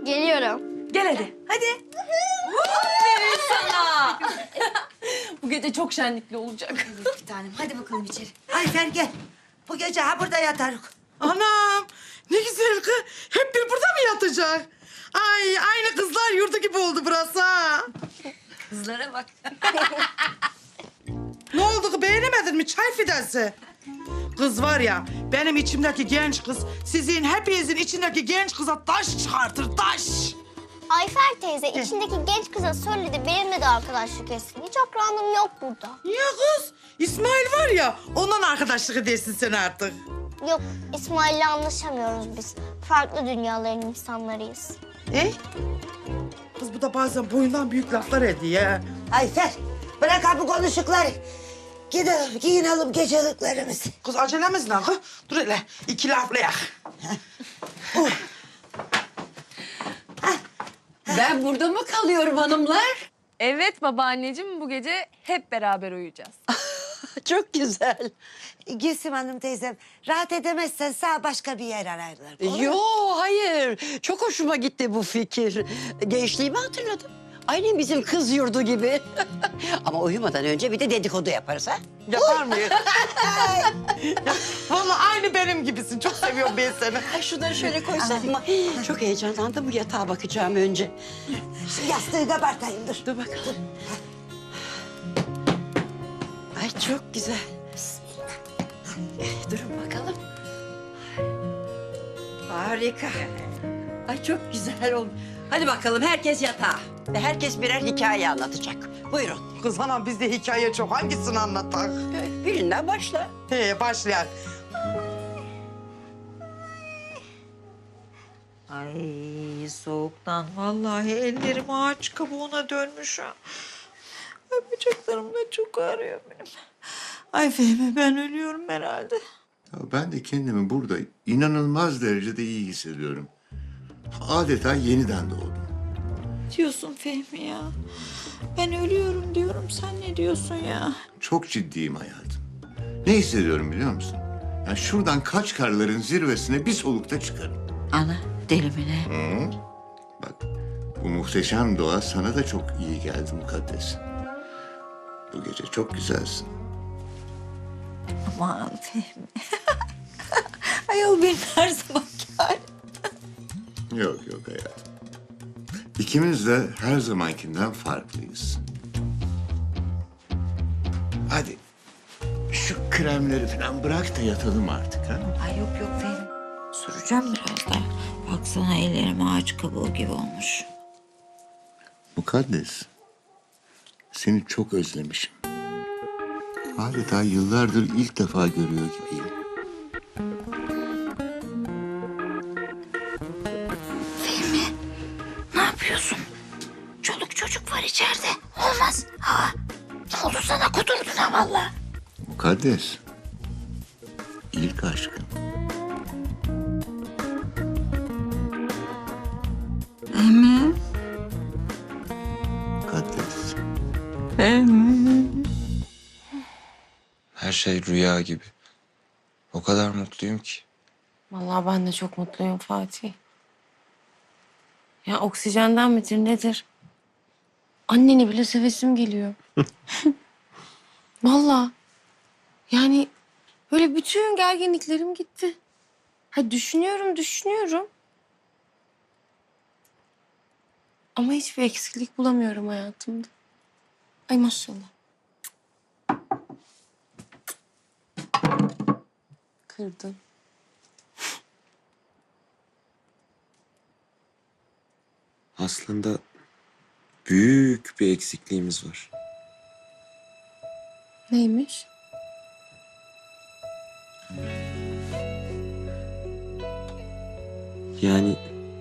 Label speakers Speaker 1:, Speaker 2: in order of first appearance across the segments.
Speaker 1: Geliyorum.
Speaker 2: Gel hadi. Hadi.
Speaker 3: Aferin sana. Bu gece çok şenlikli olacak.
Speaker 2: Bir tanem hadi bakalım içeri.
Speaker 4: Ayfer gel. Bu gece ha burada yatarız.
Speaker 5: Anam ne güzel kız. Hep bir burada mı yatacak? Ay aynı kızlar yurdu gibi oldu burası ha.
Speaker 2: Kızlara bak.
Speaker 5: Ne oldu ki beğenemedin mi çay fidesi? Kız var ya benim içimdeki genç kız sizin hepinizin içindeki genç kıza taş çıkartır taş.
Speaker 1: Ayfer teyze içindeki genç kıza söyledi benimle de arkadaşlık etsin. Hiç akranım yok burada.
Speaker 5: Niye kız? İsmail var ya ondan arkadaşlık edersin sen artık.
Speaker 1: Yok İsmail'le anlaşamıyoruz biz. Farklı dünyaların insanlarıyız.
Speaker 5: Kız bu da bazen boyundan büyük laflar ediyor ya.
Speaker 4: Ayfer bırak ha bu konuşukları. Gidelim giyinelim geceliklerimizi.
Speaker 5: Kız acelemiz ne kız? Dur hele iki laflayak.
Speaker 3: Ben burada mı kalıyorum hanımlar?
Speaker 2: Evet babaanneciğim bu gece hep beraber uyuyacağız.
Speaker 4: Çok güzel. Gülsüm Hanım teyzem rahat edemezsen sağ başka bir yer ararlar.
Speaker 6: Yo hayır. Çok hoşuma gitti bu fikir. Gençliğimi hatırladım. Aynı bizim kız yurdu gibi. Ama uyumadan önce bir de dedikodu yaparız ha.
Speaker 5: Yapar mıyız? Vallahi aynı benim gibisin. Çok seviyorum ben seni.
Speaker 6: Ay şunları şöyle koysan. Çok heyecanlandım, bu yatağa bakacağım önce.
Speaker 4: Şu yastığı kabartayım dur.
Speaker 6: Dur bakalım. Ay çok güzel. Durun bakalım. Harika. Ay çok güzel oldu. Hadi bakalım herkes yatağa. Ve herkes birer hikaye anlatacak. Buyurun.
Speaker 5: Kız anam bizde hikaye çok. Hangisini anlatak?
Speaker 6: Birinden başla.
Speaker 5: Başlayak.
Speaker 7: Ay soğuktan vallahi ellerim ağaç kabuğuna dönmüş ha. Ay bacaklarım da çok ağrıyor benim. Ay Fehmi ben ölüyorum herhalde.
Speaker 8: Ya ben de kendimi burada inanılmaz derecede iyi hissediyorum. Adeta yeniden doğdum.
Speaker 7: Diyorsun Fehmi ya. Ben ölüyorum diyorum sen ne diyorsun ya?
Speaker 8: Çok ciddiyim hayatım. Ne hissediyorum biliyor musun? Ya şuradan Kaçkarların zirvesine bir solukta çıkarım.
Speaker 7: Ana deli mi ne?
Speaker 8: Hı? Bak bu muhteşem doğa sana da çok iyi geldi mukaddes. Bu gece çok güzelsin.
Speaker 7: Aman Fehmi. Ayol benim her zamanki halim.
Speaker 8: Yok yok hayatım. İkimiz de her zamankinden farklıyız. Hadi şu kremleri falan bırak da yatalım artık ha.
Speaker 7: Ay yok yok Fehmi. Süreceğim biraz daha. Baksana ellerim ağaç kabuğu gibi olmuş.
Speaker 8: Mukaddes, seni çok özlemişim. Adeta yıllardır ilk defa görüyor gibiyim.
Speaker 7: Ne yapıyorsun? Çoluk çocuk var içeride. Olmaz. Ha, ne oldu sana kudurdun ha valla.
Speaker 8: Mukaddes, ilk aşkım.
Speaker 7: Emin.
Speaker 8: Mukaddes.
Speaker 9: Her şey rüya gibi. O kadar mutluyum ki.
Speaker 3: Vallahi ben de çok mutluyum Fatih. Ya oksijenden midir nedir? Anneni bile sevesim geliyor. Vallahi. Yani böyle bütün gerginliklerim gitti. Ha düşünüyorum. Ama hiçbir eksiklik bulamıyorum hayatımda. Ay maşallah. Kırdın.
Speaker 9: Aslında büyük bir eksikliğimiz var.
Speaker 3: Neymiş?
Speaker 9: Yani...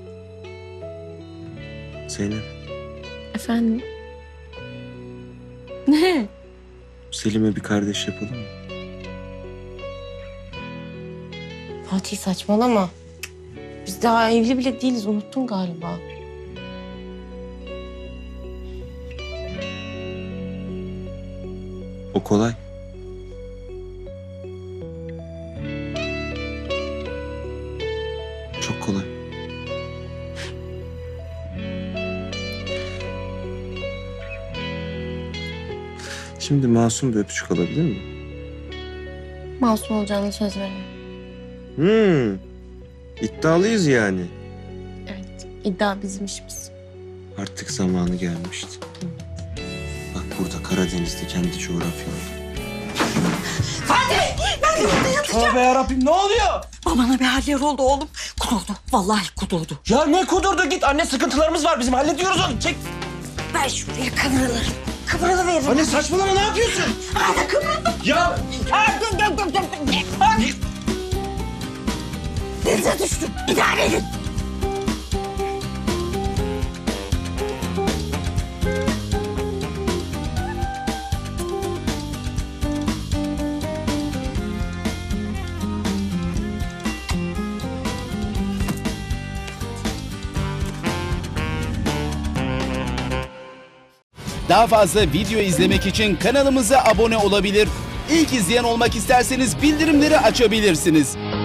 Speaker 9: Zeynep,
Speaker 3: Efendim? Ne?
Speaker 9: Selim'e bir kardeş yapalım mı?
Speaker 3: Fatih saçmalama. Biz daha evli bile değiliz. Unuttun galiba.
Speaker 9: O kolay. Çok kolay. Şimdi masum bir öpücük alabilir miyim?
Speaker 3: Masum olacağını söz veriyorum.
Speaker 9: İddialıyız yani.
Speaker 3: Evet, iddia bizim işimiz.
Speaker 9: Artık zamanı gelmişti. Bak burada Karadeniz'de kendi coğrafyamda.
Speaker 10: Tövbe yarabbim ne oluyor?
Speaker 7: Babana bir haller oldu oğlum. Kudurdu. Vallahi kudurdu.
Speaker 10: Ya ne kudurdu git anne sıkıntılarımız var bizim hallediyoruz onu çek.
Speaker 7: Ben şuraya kıvrılırım. Kıvrılıveririm.
Speaker 10: Anne saçmalama ne yapıyorsun?
Speaker 7: Hadi kıvrıldım.
Speaker 10: Ya
Speaker 7: Denize düştüm. İdare edin.
Speaker 11: Daha fazla video izlemek için kanalımıza abone olabilir. İlk izleyen olmak isterseniz bildirimleri açabilirsiniz.